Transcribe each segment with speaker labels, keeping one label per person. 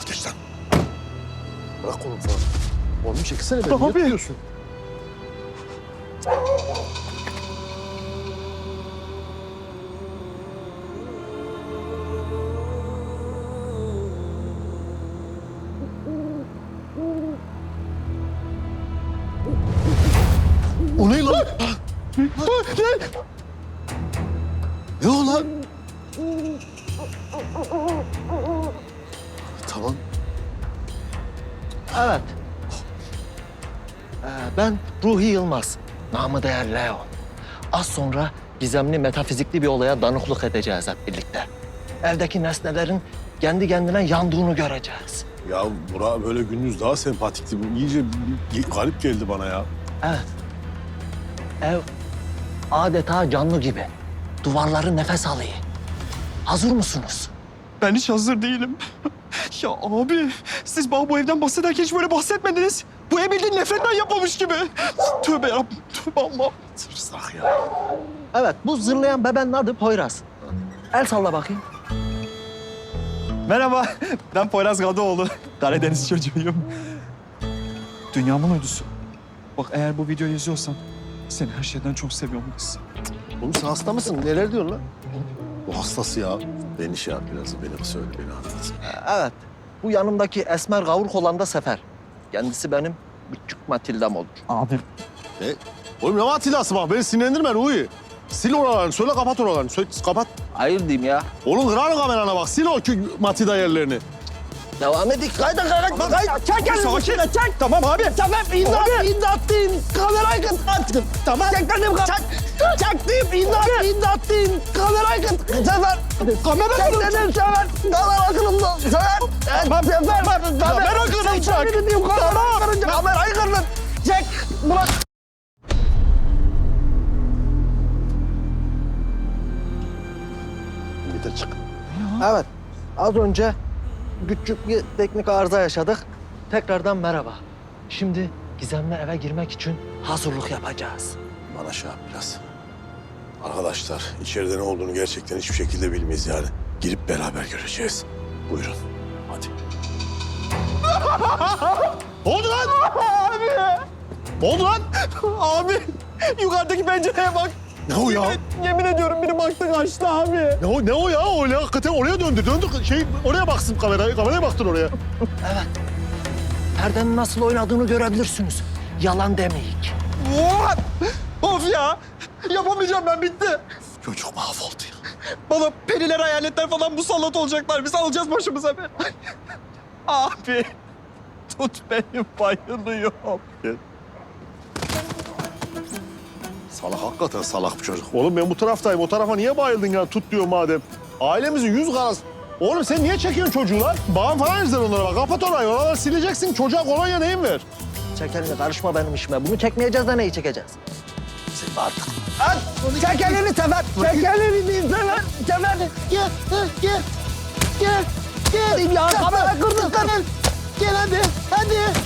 Speaker 1: Geç lan. Bırak kolumu falan. Oğlum çekilsene beni.
Speaker 2: Abi.
Speaker 1: Ne yapıyorsun? O ne lan? Ne o lan? Tamam.
Speaker 3: Evet. Ben Ruhi Yılmaz. Namı değer Leon. Az sonra gizemli metafizikli bir olaya tanıklık edeceğiz hep birlikte. Evdeki nesnelerin kendi kendine yandığını göreceğiz.
Speaker 1: Ya Burak böyle gündüz daha sempatikti. Bu iyice garip geldi bana ya.
Speaker 3: Evet. Ev adeta canlı gibi. Duvarları nefes alıyor. Hazır mısınız?
Speaker 2: Ben hiç hazır değilim. Ya abi, siz bana bu evden bahsederken hiç böyle bahsetmediniz. Bu ev bildiğin nefretten yapılmış gibi. Tövbe yarabbim, tövbe Allah'ım.
Speaker 1: Tırsak ya.
Speaker 3: Evet, bu zırlayan bebenin adı Poyraz. El salla bakayım.
Speaker 2: Merhaba, ben Poyraz Gadıoğlu. Karadeniz çocuğuyum. Dünyamın uydusu. Bak eğer bu videoyu izliyorsan seni her şeyden çok seviyorum kız.
Speaker 1: Oğlum sen hasta mısın? Neler diyorsun lan? Bu hastası ya. Beni şey yap biraz. Beni söyle, beni anlat.
Speaker 3: Evet, bu yanımdaki esmer kavruk olan da Sefer. Kendisi benim küçük Matilda'm olur.
Speaker 2: Abi.
Speaker 1: Oğlum ne Atilla'sı bak beni sinirlendirme Ruhi. Sil oralarını, söyle kapat oralarını. Söyle, kapat.
Speaker 3: Hayır diyeyim ya.
Speaker 1: Oğlum kırarım kamerana bak. Sil o Matilda yerlerini.
Speaker 3: Devam edik. Kayda.
Speaker 2: Çek elini çek. Tamam abi.
Speaker 3: Tamam, imdat deyin. Kamerayı kıt. Tamam. Çek benim çektim, imdat deyin. Kamerayı kıt. Sefer. Kamera kırıldı. Çek dedim Sefer. Kamera kırıldı. Sefer. Sefer.
Speaker 2: Kamera kırılacak.
Speaker 3: Kamerayı kırdın. Çek. Bırak.
Speaker 1: Bir de çık.
Speaker 3: Evet, az önce küçük bir teknik arıza yaşadık. Tekrardan merhaba. Şimdi gizemli eve girmek için hazırlık yapacağız.
Speaker 1: Bana şey yap biraz. Arkadaşlar içeride ne olduğunu gerçekten hiçbir şekilde bilmeyiz yani. Girip beraber göreceğiz. Buyurun. Hadi. Ne oldu lan?
Speaker 2: Abi.
Speaker 1: Ne oldu lan?
Speaker 2: Abi. Yukarıdaki pencereye bak.
Speaker 1: Ne o ya?
Speaker 2: Yemin ediyorum biri baktı kaçtı abi.
Speaker 1: Ne o ya? Öyle hakikaten oraya döndü. Oraya baksın kameraya. Kameraya baktın oraya.
Speaker 3: Evet, perdenin nasıl oynadığını görebilirsiniz. Yalan demeyik.
Speaker 2: What? Of ya. Yapamayacağım ben bitti.
Speaker 1: Çocuk mahvoldu ya.
Speaker 2: Bana periler, hayaletler falan musallat olacaklar. Biz alacağız başımıza be. Abi. Tut beni bayılıyorum.
Speaker 1: Salak hakikaten salak bir çocuk. Oğlum ben bu taraftayım. O tarafa niye bayıldın ya? Tut diyor madem. Ailemizin yüz karası. Oğlum sen niye çekiyorsun çocuğu lan? Bağım falan izler onlara bak. Kapat orayı. Oraları sileceksin. Çocuğa kolonya neyin ver?
Speaker 3: Çek elini, karışma benim işime. Bunu çekmeyeceğiz de neyi çekeceğiz?
Speaker 1: Sen artık.
Speaker 3: Çek elini Sefer. Çek elini Sefer. Sefer. Gel. Ya kamera kırdın Sefer. Gel hadi.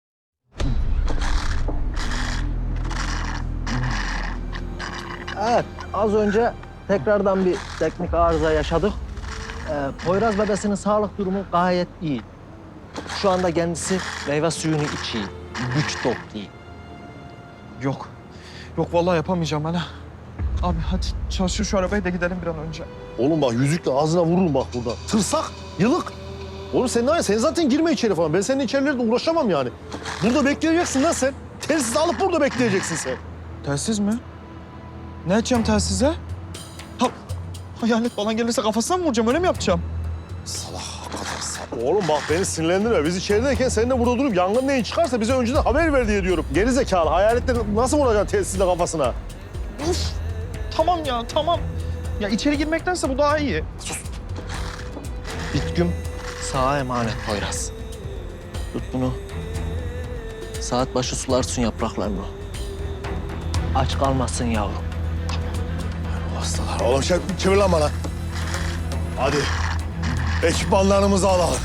Speaker 3: Evet, az önce tekrardan bir teknik arıza yaşadık. Poyraz bebesinin sağlık durumu gayet iyi. Şu anda kendisi meyve suyunu içiyor. Güç topluyor.
Speaker 2: Yok. Yok vallahi yapamayacağım ben ha. Abi hadi çalışır şu arabayı da gidelim bir an önce.
Speaker 1: Oğlum bak yüzükle ağzına vururum bak burada. Tırsak, yılık. Oğlum sen ne var ya? Sen zaten girme içeri falan. Ben senin içerilerde uğraşamam yani. Burada bekleyeceksin lan sen. Telsiz alıp burada bekleyeceksin sen.
Speaker 2: Telsiz mi? Ne edeceğim telsize? Ha, hayalet falan gelirse kafasına mı vuracağım? Öyle mi yapacağım?
Speaker 1: Salak, hakikaten salak. Oğlum bak beni sinirlendirme. Biz içerideyken sen de burada durup yangın neyin çıkarsa bize önceden haber ver diye diyorum. Geri zekalı. Hayaletleri nasıl vuracaksın telsizle kafasına?
Speaker 2: Uf. Tamam ya tamam. Ya içeri girmektense bu daha iyi.
Speaker 3: Bitgüm sağa emanet Poyraz. Tut bunu. Saat başı sularsın yapraklarını. Aç kalmasın yavrum.
Speaker 1: Hastalar. Oğlum çevir lan bana. Hadi. Ekipmanlarımızı alalım.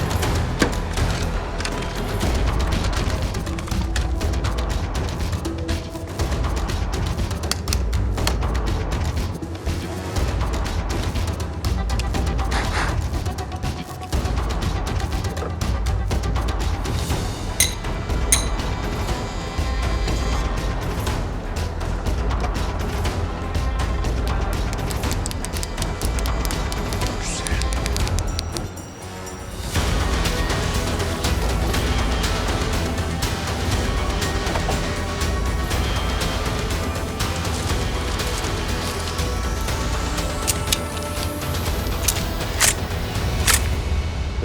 Speaker 1: Hadi.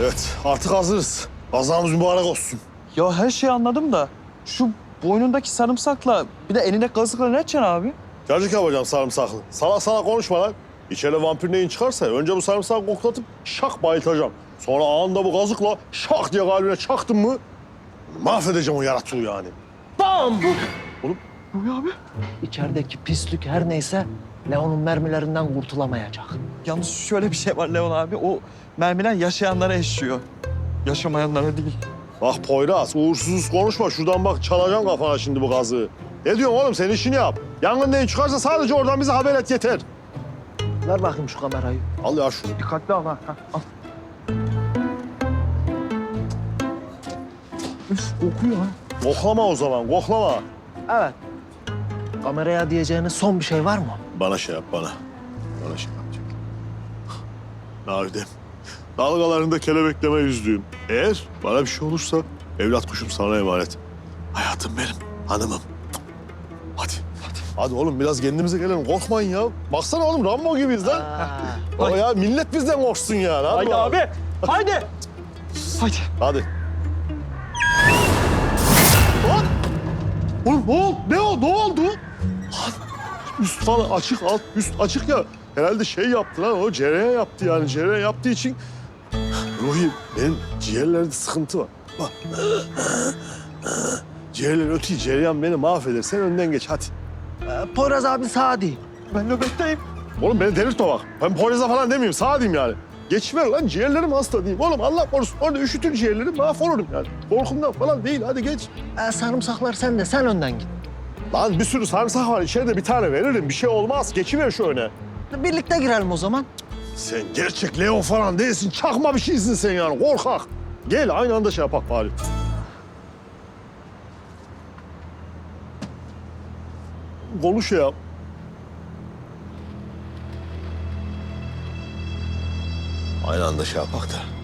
Speaker 1: Evet, artık hazırız. Kazamız mübarek olsun.
Speaker 2: Ya her şeyi anladım da şu boynundaki sarımsakla bir de elinde kazıkla ne edeceksin abi?
Speaker 1: Cacık yapacağım sarımsaklı. Salak salak konuşma lan. İçeride vampir neyin çıkarsa önce bu sarımsağı koklatıp şak bayıltacağım. Sonra anında bu kazıkla şak diye kalbine çaktım mı mahvedeceğim o yaratığı yani.
Speaker 3: Bam!
Speaker 2: Bu ya abi.
Speaker 3: İçerideki pislik her neyse Leon'un mermilerinden kurtulamayacak.
Speaker 2: Yalnız şöyle bir şey var Leon abi. O mermiler yaşayanlara eşiyor. Yaşamayanlara değil.
Speaker 1: Bak Poyraz, uğursuz konuşma. Şuradan bak çalacağım kafana şimdi bu gazı. Ne diyorsun oğlum? Sen işini yap. Yangın neyin çıkarsa sadece oradan bize haber et yeter.
Speaker 3: Ver bakayım şu kamerayı.
Speaker 1: Al ya şunu.
Speaker 2: Dikkatli al ha. Al. Üf kokuyor ha.
Speaker 1: Koklama o zaman, koklama.
Speaker 3: Evet. Kameraya diyeceğiniz son bir şey var mı?
Speaker 1: Bana şey yap, bana. Bana şey yapacak. Navidem, dalgalarında kelebekleme yüzdüğüm. Eğer bana bir şey olursa evlat kuşum sana emanet. Hayatım benim, hanımım. Hadi. Hadi oğlum biraz kendimize gelelim. Korkmayın ya. Baksana oğlum Rambo gibiyiz lan. O ya millet bizden korksun yani. Hadi,
Speaker 2: Haydi
Speaker 1: bakalım.
Speaker 2: abi. Haydi. Haydi.
Speaker 1: Hadi. Lan! Oğlum ne oldu? Ne oldu? Ne oldu? Lan! Üst falan açık, alt üst açık ya. Herhalde şey yaptı lan o cereyan yaptı yani. Cereyan yaptığı için... Ruhi benim ciğerlerde sıkıntı var. Bak. Ciğerler ötüyor, cereyan beni mahveder. Sen önden geç hadi.
Speaker 3: Poyraz abi sağ değil.
Speaker 2: Ben nöbetteyim.
Speaker 1: Oğlum beni delirtme bak. Ben Poyraz'a falan demeyeyim, sağ diyeyim yani. Geçiver lan ciğerlerim hasta diyeyim. Oğlum Allah korusun orada üşütür ciğerlerim mahvolurum yani. Korkumdan falan değil hadi geç.
Speaker 3: Sarımsaklar sende, sen önden git.
Speaker 1: Lan bir sürü sarımsak var içeride bir tane veririm. Bir şey olmaz. Geçiver şu öne.
Speaker 3: Birlikte girelim o zaman.
Speaker 1: Sen gerçek Leo falan değilsin. Çakma bir şeysin sen yani. Korkak. Gel aynı anda şey yapak bari. Konuş ya. Aynı anda şey yapak da.